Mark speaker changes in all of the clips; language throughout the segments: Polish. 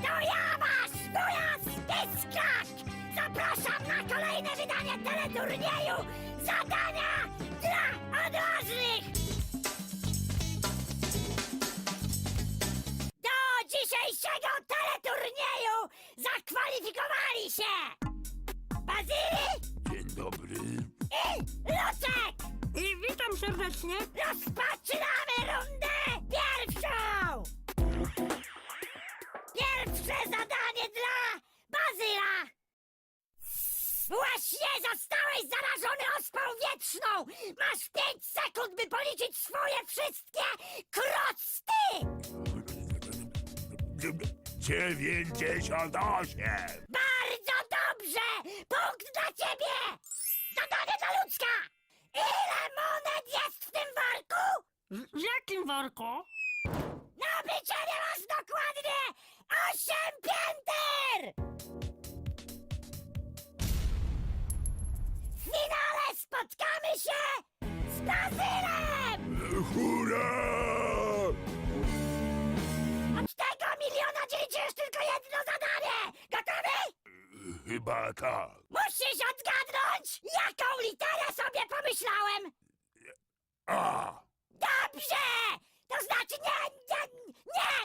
Speaker 1: To ja wasz wujas Pyskak! Zapraszam na kolejne wydanie teleturnieju Zadania dla odważnych! Do dzisiejszego teleturnieju zakwalifikowali się Bazyli
Speaker 2: Dzień dobry.
Speaker 1: i Lucek!
Speaker 3: I witam serdecznie.
Speaker 1: Rozpoczynamy rundę pierwszą! Pierwsze zadanie dla Bazyla! Właśnie zostałeś zarażony ospą wietrzną! Masz 5 sekund, by policzyć swoje wszystkie krocty!
Speaker 2: 98.
Speaker 1: Bardzo dobrze! Punkt dla ciebie! Zadanie dla Lucka! Ile monet jest w tym worku?
Speaker 3: W jakim worku?
Speaker 1: Na obliczenie masz dokładnie 8 pięter! W finale spotkamy się z Bazylem!
Speaker 2: Hurra!
Speaker 1: Od tego miliona dzielicie już tylko jedno zadanie! Gotowy?
Speaker 2: Chyba tak.
Speaker 1: Musisz odgadnąć, jaką literę sobie pomyślałem!
Speaker 2: A!
Speaker 1: Dobrze! To znaczy nie!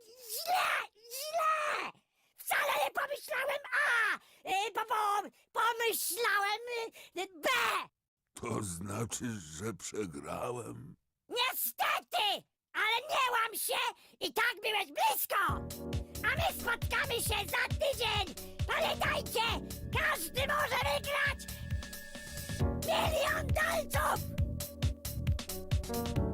Speaker 1: Źle! Wcale nie pomyślałem A! Pomyślałem B!
Speaker 2: To znaczy, że przegrałem?
Speaker 1: Niestety! Ale nie łam się! I tak byłeś blisko! A my spotkamy się za tydzień! Pamiętajcie! Każdy może wygrać 1 000 000 dolców!